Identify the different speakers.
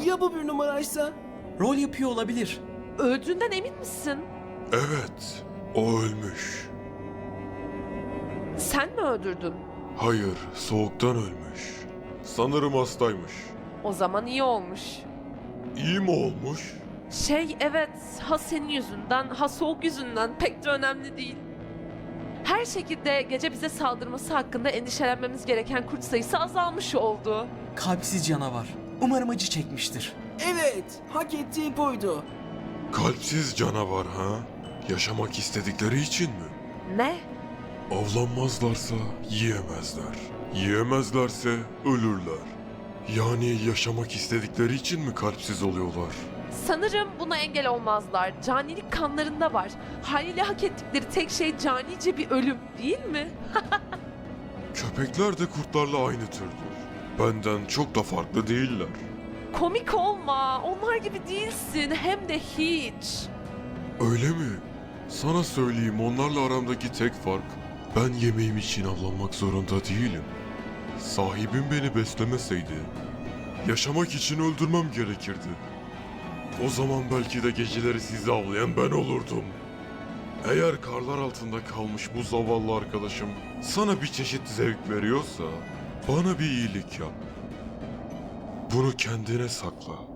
Speaker 1: Ya bu bir numaraysa?
Speaker 2: Rol yapıyor olabilir.
Speaker 3: Öldüğünden emin misin?
Speaker 4: Evet, o ölmüş.
Speaker 3: Sen mi öldürdün?
Speaker 4: Hayır, soğuktan ölmüş. Sanırım hastaymış.
Speaker 3: O zaman iyi olmuş.
Speaker 4: İyi mi olmuş?
Speaker 3: Evet, ha senin yüzünden, ha soğuk yüzünden pek de önemli değil. Her şekilde gece bize saldırması hakkında endişelenmemiz gereken kurt sayısı azalmış oldu.
Speaker 2: Kalpsiz canavar. Umarım acı çekmiştir.
Speaker 1: Evet, hak ettiği buydu.
Speaker 4: Kalpsiz canavar ha? Yaşamak istedikleri için mi?
Speaker 3: Ne?
Speaker 4: Avlanmazlarsa yiyemezler. Yiyemezlerse ölürler. Yani yaşamak istedikleri için mi kalpsiz oluyorlar?
Speaker 3: Sanırım buna engel olmazlar. Canilik kanlarında var. Haliyle hak ettikleri tek şey canice bir ölüm, değil mi?
Speaker 4: Köpekler de kurtlarla aynı türdür. Benden çok da farklı değiller.
Speaker 3: Komik olma, onlar gibi değilsin, hem de hiç.
Speaker 4: Öyle mi? Sana söyleyeyim, onlarla aramdaki tek fark, ben yemeğim için avlanmak zorunda değilim. Sahibim beni beslemeseydi, yaşamak için öldürmem gerekirdi. O zaman belki de geceleri sizi avlayan ben olurdum. Eğer karlar altında kalmış bu zavallı arkadaşım sana bir çeşit zevk veriyorsa, bana bir iyilik yap. Bunu kendine sakla.